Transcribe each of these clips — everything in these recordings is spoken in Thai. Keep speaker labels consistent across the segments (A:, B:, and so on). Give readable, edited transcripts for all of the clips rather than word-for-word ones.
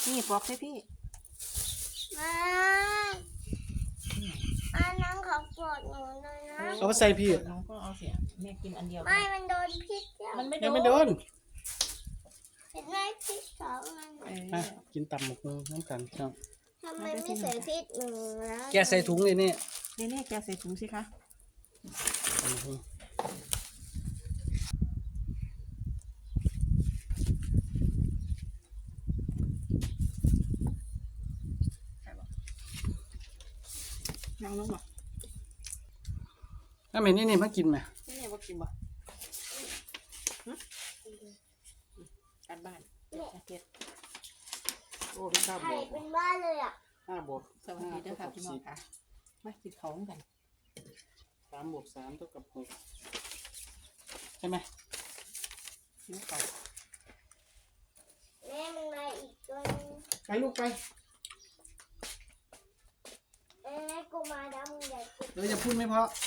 A: นี่ปอกให้พี่
B: ไม่น้องขอปวดหนูหน่อยนะ
C: เอาไปใส่พี่
A: น้องก็เอาเสียแม่กินอันเดียว
B: ไม่มันโดนพิษแล้ว
A: มันไม่โด
C: ยัง
A: น
C: ไม่โดน
B: เห็นไหมพิษสองอัน
C: อ่ะกินตำหมกมือน้ำกันครับ
B: ทำไมไม่ใส่พิษหนูแล้ว
C: แกใส่ถุงเลยนี่
A: นี่แกใส่ถุงสิคะนั่งลงบ่
C: ถ้าเห็นนี่มากินไหม
A: นี่ว่ากินบ่การบ้านเฮ็ดโอ้พี่ข้าว
B: ไข่
A: บวก
B: เป็นบ้านเลยอ่ะ
C: 5 บวก
A: สวัสดีด้วยค่ะพี่น้องค่ะมากินของกัน
C: 3 บวก 3เท่ากับ 6ใช่ไหม
A: กินของ
B: แม่มันมาอีกตัวนึง
C: ไปลูกไป
B: แม่กูมาดำใหญ่กู
C: เดี๋ยวจะพูดไม่เพราะ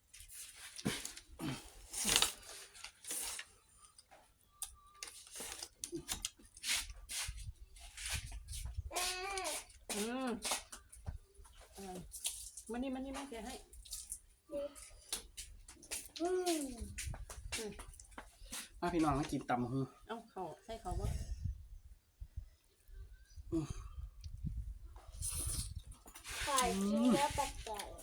A: มันนี่แกให้
C: พี่น้องมากินตำหู
A: เอ้าเขาใส่เขาบ่
B: ไข่กินแล้วแปลก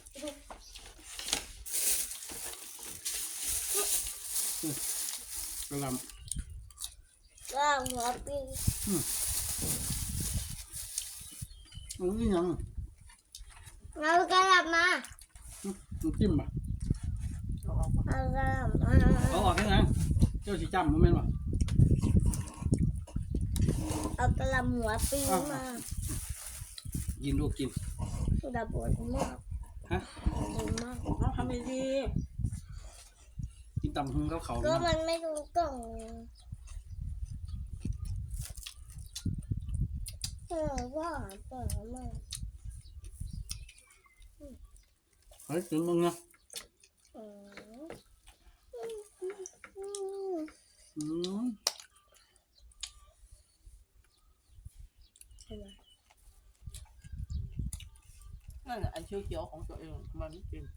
C: กระล
B: ๆว่างหัวปี
C: ำนี่ยัง
B: เรากระลับมา
C: น้ำจิ้มป่ะ
A: เอาออกบ่
B: เอากระลับมา
C: เอาออกแค่นั้นเจ้าสีจำมันแม่นป่ะ
B: เอากระลับหัวปีมา
C: กินลูกกิน
B: ดับปวดมาก
C: ฮะ
B: ปวดมาก
A: เอาทำดี
C: กินตำหูเขา
B: ก็มันไม่รู้กล่องว่าปวดมาก
C: เฮ้ยกินมึงนะ
A: นั่นแหละอันเขียวๆของตัวเองมันไม่กิน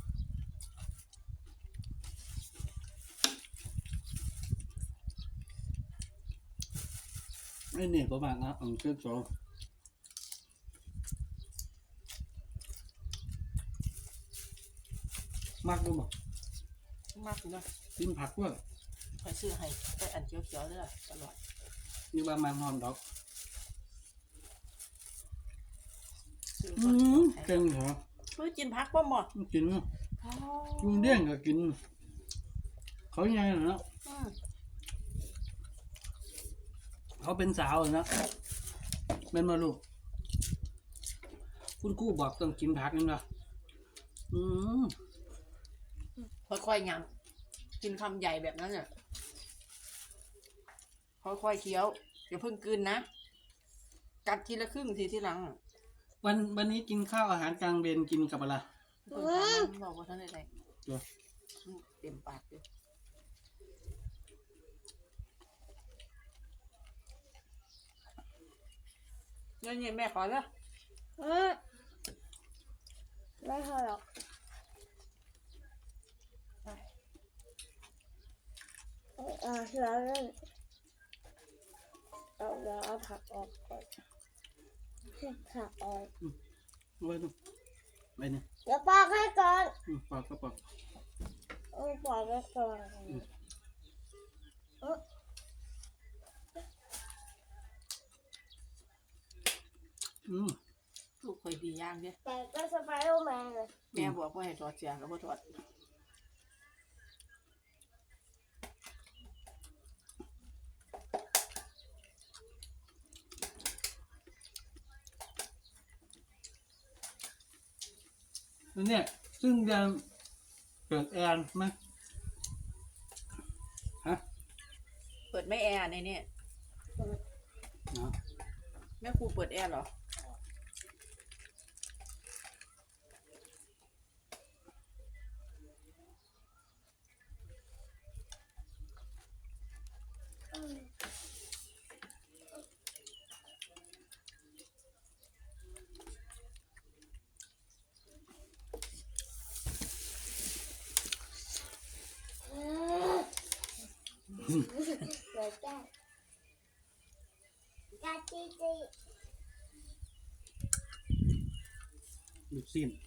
C: ไอ้เนี่ยประมาณนะเชื่อโจมากด้วยบ่
A: มากเลย
C: กินผักด้วย
A: คอยซื้อให้แต่อันเขียวๆเด้อตลอด
C: นี่ว่ามันหอมดอก
A: ซื้อ
C: เก่งเหรอ
A: เพื่อกินพักบ่หมด
C: กินกินเดี้ยงก็กินเขาไงเนาะเขาเป็นสาวนะเป็นมาลูกคุณกู้บอกต้องกินผักนี่นะ
A: ค่อยๆยังกินคำใหญ่แบบนั้นเนี่ยค่อยๆเคี้ยวอย่าเพิ่งกลืนนะกัดทีละครึ่งทีหลัง
C: วันนี้กินข้าวอาหารกลางเบนกินกับอะไร
A: บอกว่าท่านใดเต็มปากเลยเนี่ยแม่ขอแล้ว
B: ไม่พอหรอกแล้วเราเอาผักออกก่อนผักออก
C: ไว้ดูไปเนี่ย
B: เดี๋ยวปอกให้ก่อน
C: ปอกก็ปอก
B: ปอกให้ก่อน
A: ลูกเคยดีย่างเนี่ย
B: แต่ก็สไปเดอร์แมนเลย
A: แม่บอกว่าให้ถอดเสียแล้วก็ถอด
C: เนี่ยซึ่งจะเกิดแอนไหมฮะ
A: เปิดไม่แอร์ในนี่แม่ครูเปิดแอร์เหรอ
B: เหลือแก้กาจีจี
C: ลูกชิ้น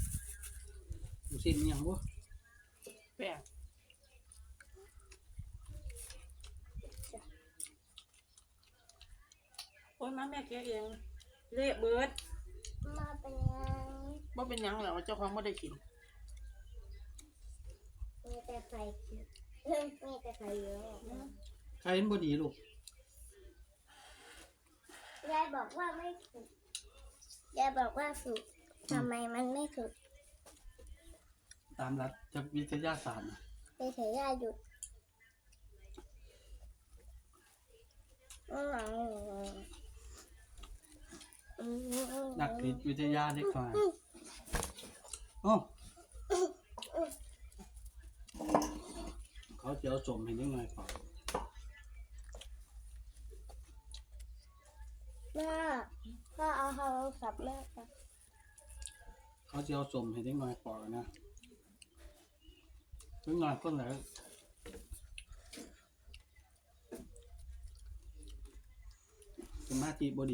C: อิหยังบ่
A: แป้งโอ้ยมาแม่แกะเองเละเบิด
B: มาเป็นยัง
A: บ่เป็นหยังหรอกเจ้าของบ่ได้กิน
B: มีแต่ไฟมีแต่ไฟเยอะ
C: ใครเห็นบ่ดีลูก
B: ยายบอกว่าไม่สุกยายบอกว่าสุกทำไมมันไม่สุก
C: ตามหลักจากวิทยาศาสตร์น่ะ
B: ไปเถอะยายหยุด
C: นักจิตวิทยาเด็กน้อยโอ้เขาจะเอาสมให้เด็กน้อยก่อน
B: แม่พ่อเอาโทรศัพท์แม่ไป
C: เขาจะเอาสมให้เด็กน้อยก่อนนะเด็กน้อยคนไหนสมาธิบ่ดี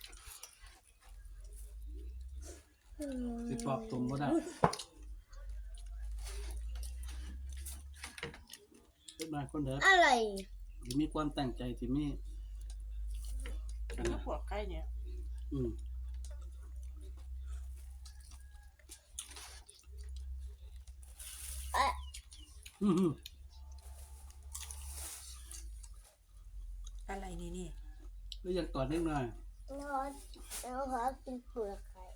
C: สิปอบสมบ่ได้เด็กน้อยคนไหน
B: อะไร
C: ที่มีความตั้งใจที่มีอัน
A: แล้
C: นั้
A: วน พวกไก่เนี่ย
C: อืม
B: เอ๊ะ
C: อืม
A: อะไรนี่
C: ก็อยากตอดนิดหน่อย
B: เราขอกินเปลือกไข่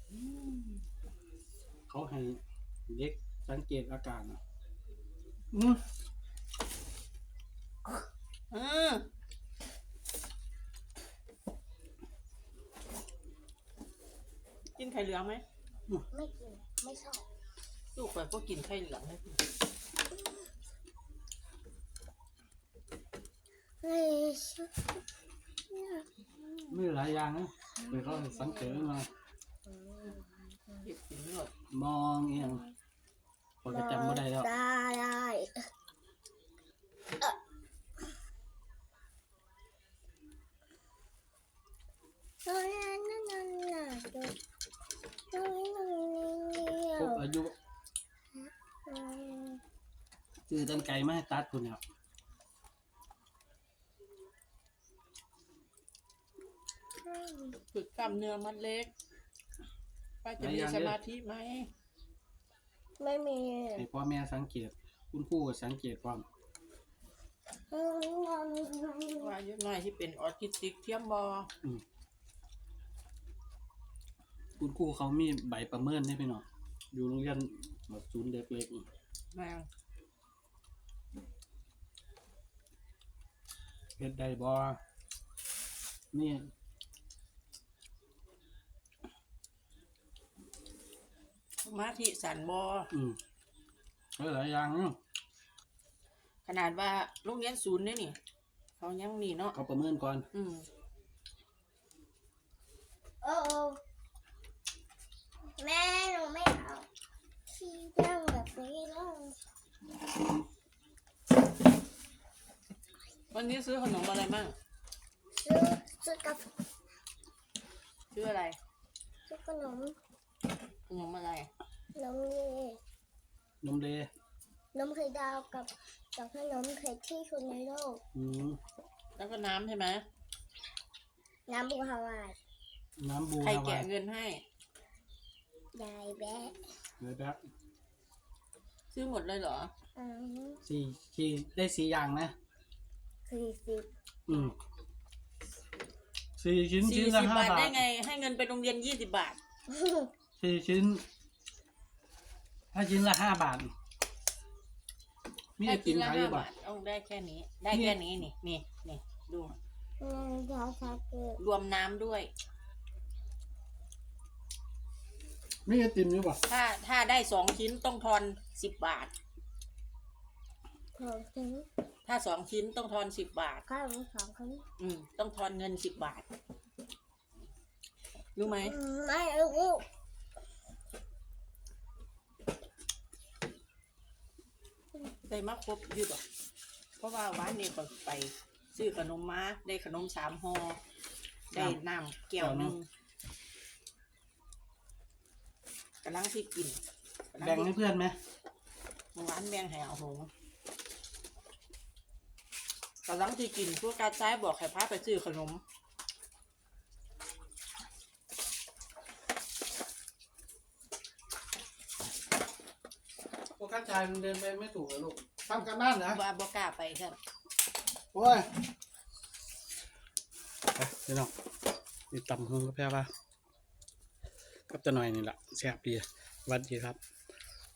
C: เขาให้เด็กสังเกตอาการนะอืม
A: อือกินไข่เหลืองไหม
B: ไม่กินไม่ชอบ
A: ลูกข่อยก็กินไข่เหลืองเลย
B: ไม่ชอบ
C: มีหลายอย่างนะเดี๋ยวเขาให้สังเกตนิดหน่อย
A: เก็บกินหมด
C: มองเอียงพอจะจำไม่ได้แล้ว
B: ได้ตอนนั้นนั่นน่ะดูตรงนี้ตรงนี้เดีย
C: พ
B: ว
C: บอายุคือตันไก่มาให้ตัดคุณเนี่ย
A: ฝึกกล้ามเนื้อมัดเล็กป้าจะมีสมาธิไหม
B: ไม่มี
C: ให้พ่อแม่สังเกต คุณครูก็สังเกตความ
A: ว่าอายุน้อยที่เป็นออทิสติกเทียมบอ
C: คุณครูเขามีใบประเมินให้พี่น้องอยู่โรงเรียนแบบศูนย์เด็กเล็กนี่
A: แม่
C: เฮ็ดได้บ่นี่
A: สมาธิสั่นบอ
C: หลายอย่างเนาะ
A: ขนาดว่าโรงเรียนศูนย์เนี่ยนี่เขายังนี่เนาะ
C: เขาประเมินก่อน
B: โอ้แม่หนูไม่เอาที่นั่งแบบนี้แล้ว
A: วันนี้ซื้อขนมอะไรมั่ง
B: ซื้อกาแฟ
A: ซื้ออะไร
B: ซื้อขนม
A: ขนมอะไร
B: นมเย่
C: นมเล
B: นมไข่ดาวกับขนมไข่ที่สุดในโลก
A: แล้วก็น้ำใช่ไหม
B: น้ำบูฮาวาย
C: น้ำบู
A: ใคร
C: ฮาวา
A: แกะ
C: ย
A: เงินให้
B: ยายแบะ
C: เลยแบบ
A: ซื้อหมดเลยเหรอ
C: สี่ได้4อย่างนะ
B: 40
C: 4 ชิ้นชิ้นละ
A: 40
C: 5
A: บาท
C: บา
A: ได้
C: ท
A: ไง ให้เงินไปโรงเรียน20 บาท
C: 4 ชิ้นถ้าชิ้นละ5 บาทมีไอ
A: ให้
C: ติ
A: กิน
C: ม
A: ละ
C: ขายอยู่
A: 5
C: ป่ะ
A: บาทเอาได้แค่นี้ ได้แค่นี้นี่ดู
B: ยาชาเกลือ
A: รวมน้ำด้วย
C: มีไอติมอยู่ป่ะ
A: ถ้าได้2 ชิ้นต้องทอน10 บาท
B: ของถึง
A: ถ้า2 ชิ้นต้องทอน10 บาท
B: ข้าวของเขา
A: ต้องทอนเงิน10 บาท รู้ไหม
B: ไม่รู้
A: ได้มาครบอยู่หรอเพราะว่าวันนี้ก็ไปซื้อขนมมาได้ขนม3ห่อได้น้ำแก้วหนึงกำลังที่กิน
C: แบ่งให้เพื่อนไหม
A: เมื่อวานแบ่งให้เอาหงกำลังที่กินพวกกาซ้ายบอกให้พาไปซื้อขนม
C: พวกข้าชายมันเดินไปไม่ถูกเลยลูกทำกันบ้านนะ
A: ว่าบ่กล้าไปครับ
C: โอ้ยไปพี่น้องนี่ตำหงกับแพ้ป่ะกับจะหน่อยนี่แหละแซ่บดีสวัสดีครับ